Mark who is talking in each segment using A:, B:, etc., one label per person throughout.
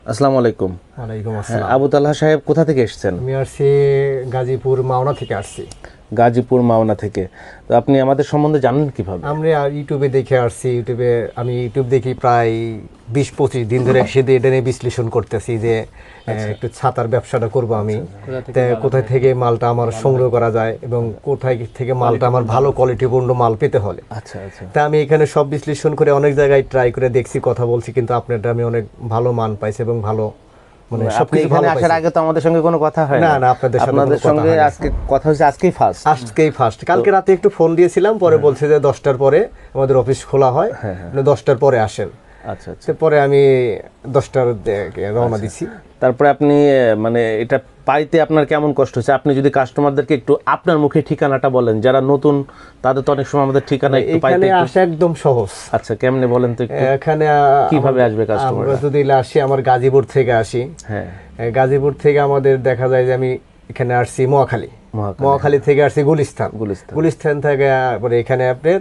A: আসসালামু আলাইকুম।
B: ওয়ালাইকুম আসসালাম।
A: আবু তালহা সাহেব কোথা থেকে এসেছেন?
B: আমি আসছি গাজীপুর মাওনা থেকে আসছি।
A: গাজীপুর মাওনা থেকে। তো আপনি আমাদের সম্বন্ধে জানেন কিভাবে?
B: আমরা ইউটিউবে দেখে আসছি। আমি ইউটিউব দেখি প্রায় 20-25 দিন ধরে একসাথে এটা নিয়ে বিশ্লেষণ করতেছি যে একটু ছাতার ব্যবসাটা করব আমি। কোথায় থেকে মালটা আমার সংগ্রহ করা যায় এবং কোথায় থেকে মালটা আমার ভালো কোয়ালিটিপূর্ণ মাল পেতে হলে।
A: আচ্ছা আচ্ছা।
B: তা আমি এখানে সব বিশ্লেষণ করে অনেক জায়গায় ট্রাই করে দেখছি, কথা বলছি, কিন্তু আপনারটা আমি অনেক ভালো মান পাইছি এবং ভালো
A: মানে সবকিছু ভালো পাইছি। আসার আগে তো আমাদের সঙ্গে কোনো কথা হয়
B: না। আপনাদের
A: সঙ্গে আজকে কথা হচ্ছে, আজকেই ফার্স্ট।
B: কালকে রাতে একটু ফোন দিয়েছিলাম, পরে বলছে যে 10টার পরে আমাদের অফিস খোলা হয়, 10টার পরে আসেন।
A: আচ্ছা আচ্ছা।
B: পরে আমি 10টার রওনা দিছি।
A: তারপরে আপনি মানে এটা পাইতে আপনার কেমন কষ্ট হচ্ছে? আপনি যদি কাস্টমারদেরকে একটু আপনার মুখে ঠিকানাটা বলেন, যারা নতুন তাদের তো অনেক সময় আমাদের ঠিকানা একটু পাইতে
B: আসা একদম সহজ।
A: আচ্ছা, কেমনে বলেন তো একটু?
B: এখানে
A: কিভাবে আসবে কাস্টমার?
B: আমরা যদি আসি, আমার গাজীপুর থেকে আসি। হ্যাঁ, গাজীপুর থেকে আমাদের দেখা যায় যে আমি এখানে আসছি মহাখালী থেকে আসছি গুলিস্তান থেকে পরে এখানে আপনার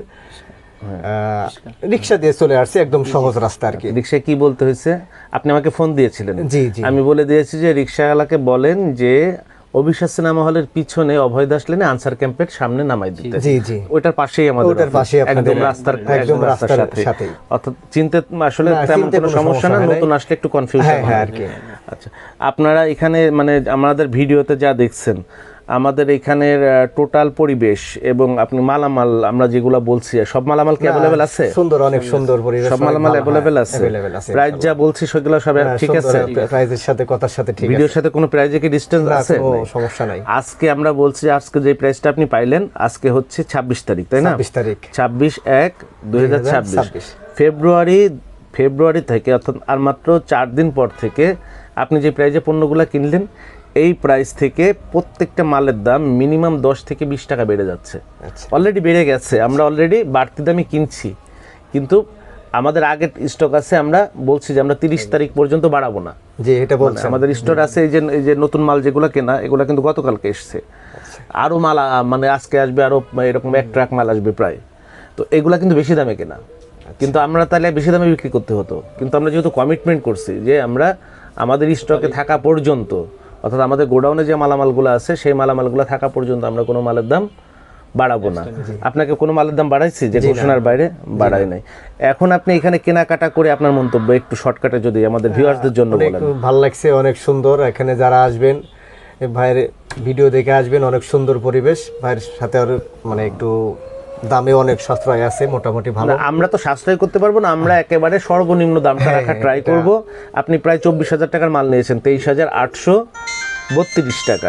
B: রিক্সা দিয়ে চলে আসছে, একদম সহজ রাস্তা আর কি।
A: রিক্সায় কি বলতে হয়েছে? আপনি আমাকে ফোন দিয়েছিলেন।
B: জি জি।
A: আমি বলে দিয়েছি যে রিক্সাওয়ালাকে বলেন যে অভিশ্বাস সিনেমা হলের পিছনে অভয় দাস লেনে আনসার ক্যাম্পের সামনে নামাই দিতে।
B: জি জি।
A: ওটার পাশেই আমাদের,
B: একদম রাস্তার সাথে।
A: অর্থাৎ চিনতে আসলে তেমন কোনো সমস্যা না, নতুন আসলে একটু কনফিউশন হয় আর কি। আচ্ছা, আপনারা এখানে মানে আমাদের ভিডিওতে যা দেখছেন, আমাদের এখানের টোটাল পরিবেশ এবং আপনি মালামাল আমরা যেগুলো বলছি, সব মালামাল কি অ্যাভেলেবেল আছে?
B: অনেক সুন্দর পরিবেশ,
A: সব মালামাল অ্যাভেলেবেল আছে। প্রাইস যা বলছি সেগুলো সব ঠিক আছে?
B: প্রাইসের সাথে কথার সাথে ঠিক আছে।
A: ভিডিওর সাথে কোনো প্রাইসে কি ডিসটেন্স আছে?
B: কোনো সমস্যা নাই।
A: আজকে আমরা বলছি যে আজকে যে প্রাইসটা আপনি পাইলেন, আজকে হচ্ছে 26 তারিখ, তাই না?
B: 26 তারিখ,
A: 26/1/2026। ফেব্রুয়ারি থেকে, অর্থাৎ আর মাত্র 4 দিন পর থেকে আপনি যে প্রাইসে পণ্যগুলো কিনলেন, এই প্রাইস থেকে প্রত্যেকটা মালের দাম মিনিমাম 10 থেকে 20 টাকা বেড়ে যাচ্ছে। অলরেডি বেড়ে গেছে, আমরা অলরেডি বাড়তি দামে কিনছি, কিন্তু আমাদের আগের স্টক আছে। আমরা বলছি যে আমরা 30 তারিখ পর্যন্ত বাড়াবো না।
B: জি, এটা বলছি।
A: আমাদের স্টক আছে, এই যে নতুন মাল যেগুলো কেনা, এগুলো কিন্তু গতকালকে এসছে। আরও মাল মানে আজকে আসবে, আরও এরকম 1 ট্রাক মাল আসবে প্রায়। তো এগুলা কিন্তু বেশি দামে কেনা, কিন্তু আমরা তাহলে বেশি দামে বিক্রি করতে হতো। কিন্তু আমরা যেহেতু কমিটমেন্ট করছি যে আমরা আমাদের স্টকে থাকা পর্যন্ত, অর্থাৎ আমাদের গোডাউনে যে মালামালগুলো আছে সেই মালামালগুলো থাকা পর্যন্ত আমরা কোনো মালের দাম বাড়াবো না। আপনাকে কোনো মালের দাম বাড়াইছি যে ঘোষণার বাইরে? বাড়াই নাই। এখন আপনি এখানে কেনাকাটা করে আপনার মন্তব্য একটু শর্টকাটে যদি আমাদের ভিউয়ার্সদের জন্য বলেন।
B: ভালো লাগছে, অনেক সুন্দর। এখানে যারা আসবেন, ভাইয়ের ভিডিও দেখে আসবেন, অনেক সুন্দর পরিবেশ। ভাইয়ের সাথে আর মানে একটু দামে অনেক সাশ্রয় আছে, মোটামুটি ভালো।
A: আমরা তো সাশ্রয় করতে পারবো না, আমরা একেবারে সর্বনিম্ন দামটা রাখা ট্রাই করব। আপনি প্রায় 24,000 টাকার মাল নিয়েছেন, 23,832 টাকা।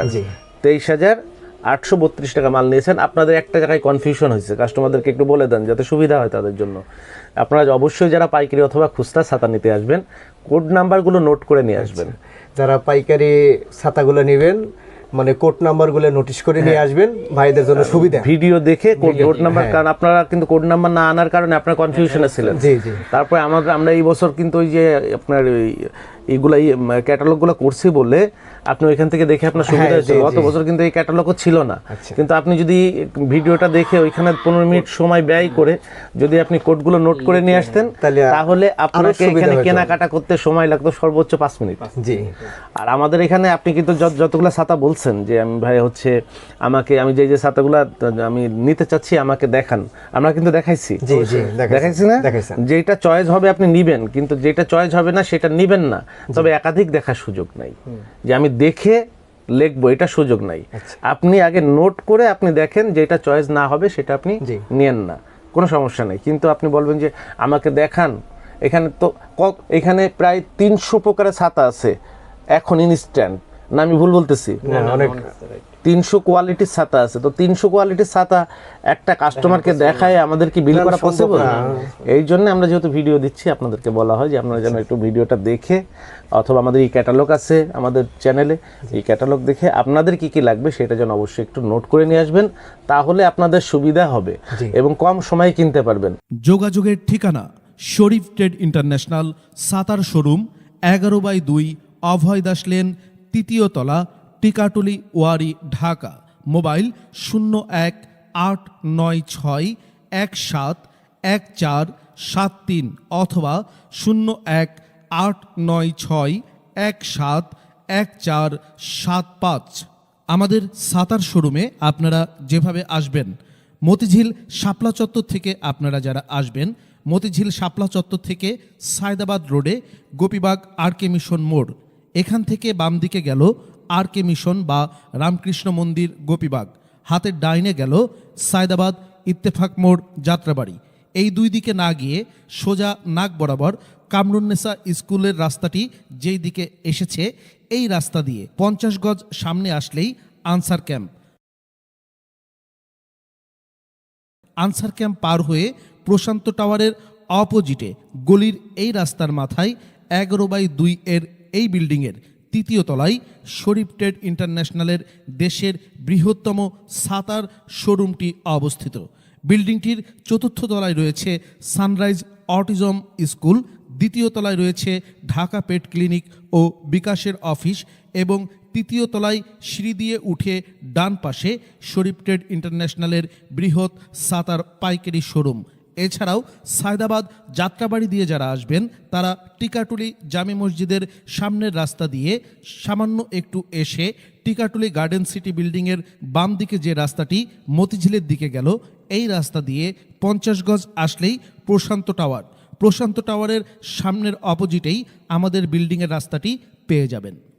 A: 23,832 টাকা মাল নিয়েছেন। আপনাদের একটা জায়গায় কনফিউশন হয়েছে, কাস্টমারদেরকে একটু বলে দেন যাতে সুবিধা হয় তাদের জন্য। আপনারা অবশ্যই যারা পাইকারি অথবা খুচরা ছাতা নিতে আসবেন, কোড নাম্বারগুলো নোট করে নিয়ে আসবেন।
B: যারা পাইকারি ছাতাগুলো নেবেন, মানে কোড নাম্বারগুলো নোটিশ করে নিয়ে আসবেন, ভাইদের জন্য সুবিধা।
A: ভিডিও দেখে কোড নাম্বার, কারণ আপনারা কিন্তু কোড নাম্বার না আনার কারণে আপনার কনফিউশনে ছিলেন।
B: জি জি।
A: তারপরে আমরা এই বছর কিন্তু ওই যে আপনার এইগুলা ক্যাটালগুলো করছি বলে আপনি ওইখান থেকে দেখে আপনার সুবিধা হয়েছে। গত বছর কিন্তু এই ক্যাটালগও ছিল না। কিন্তু আপনি যদি ভিডিওটা দেখে ওইখানে 15 মিনিট সময় ব্যয় করে যদি আপনি কোডগুলো নোট করে নিয়ে আসতেন, তাহলে আপনাকে এখানে কেনাকাটা করতে সময় লাগতো সর্বোচ্চ 5 মিনিট।
B: জি।
A: আর আমাদের এখানে আপনি কিন্তু যতগুলো ছাতা বলছেন যে আমি ভাই হচ্ছে আমি যে ছাতাগুলো আমি নিতে চাচ্ছি আমাকে দেখান, আমরা কিন্তু দেখাইছি।
B: জি জি,
A: দেখাইছি না? যেটা চয়েস হবে আপনি নিবেন, কিন্তু যেটা চয়েস হবে না সেটা নিবেন না। তবে একাধিক দেখার সুযোগ নাই, যে আমি দেখে লিখবো, এটা সুযোগ নাই। আপনি আগে নোট করে আপনি দেখেন, যেটা চয়েস না হবে সেটা আপনি নিয়েন না, কোনো সমস্যা নেই। কিন্তু আপনি বলবেন যে আমাকে দেখান, এখানে প্রায় 300 প্রকারের ছাতা আছে এখন ইনস্ট্যান্ট, না আমি ভুল বলতেছি?
B: অনেক
A: 300 কোয়ালিটির ছাতা আছে। তো 300 কোয়ালিটির ছাতা একটা কাস্টমারকে দেখায় আমাদের কি বিল করা পসিবল? এই জন্য আমরা যেহেতু ভিডিও দিচ্ছি, আপনাদেরকে বলা হয় যে আপনারা যেন একটু ভিডিওটা দেখে, অথবা আমাদের এই ক্যাটালগ আছে আমাদের চ্যানেলে, এই ক্যাটালগ দেখে আপনাদের কি কি লাগবে সেটা যেন অবশ্যই একটু নোট করে নিয়ে আসবেন, তাহলে আপনাদের সুবিধা হবে এবং কম সময়ে কিনতে পারবেন।
C: যোগাযোগের ঠিকানা Sharif trade international, Sattar showroom, 11/2 Abhoy Das lane, 3য় তলা, টিকাটুলি, ওয়ারি, ঢাকা। মোবাইল 01-896-171473 অথবা 01-896 171475। আমাদের সাতার শোরুমে আপনারা যেভাবে আসবেন, মতিঝিল শাপলা চত্বর থেকে আপনারা যারা আসবেন, মতিঝিল শাপলা চত্বর থেকে সায়দাবাদ রোডে গোপীবাগ আরকে মিশন মোড়, এখান থেকে বাম দিকে গেল আরকে মিশন বা রামকৃষ্ণ মন্দির গোপীবাগ, হাতের ডাইনে গেল সায়দাবাদ ইত্তেফাক মোড় যাত্রাবাড়ি। এই দুই দিকে না গিয়ে সোজা নাক বরাবর কামরুন্নেসা স্কুলের রাস্তাটি যেই দিকে এসেছে, এই রাস্তা দিয়ে 50 গজ সামনে আসলেই আনসার ক্যাম্প। আনসার ক্যাম্প পার হয়ে প্রশান্ত টাওয়ারের অপোজিটে গলির এই রাস্তার মাথায় 11/2 এর এই বিল্ডিংয়ের 3য় তলায় শরীফ ট্রেড ইন্টারন্যাশনালের দেশের বৃহত্তম সাতার শোরুমটি অবস্থিত। বিল্ডিংটির 4র্থ তলায় রয়েছে সানরাইজ অটিজম স্কুল, 2য় তলায় রয়েছে ঢাকা পেট ক্লিনিক ও বিকাশের অফিস এবং 3য় তলায় সিঁড়ি দিয়ে উঠে ডান পাশে শরীফ ট্রেড ইন্টারন্যাশনালের বৃহৎ সাতার পাইকারি শোরুম। এছাড়াও সায়দাবাদ যাত্রাবাড়ি দিয়ে যারা আসবেন তারা টিকাটুলি জামে মসজিদের সামনের রাস্তা দিয়ে সামান্য একটু এসে টিকাটুলি গার্ডেন সিটি বিল্ডিংয়ের বাম দিকে যে রাস্তাটি মতিঝিলের দিকে গেল, এই রাস্তা দিয়ে 50 গজ আসলেই প্রশান্ত টাওয়ার। প্রশান্ত টাওয়ারের সামনের অপোজিটেই আমাদের বিল্ডিংয়ের রাস্তাটি পেয়ে যাবেন।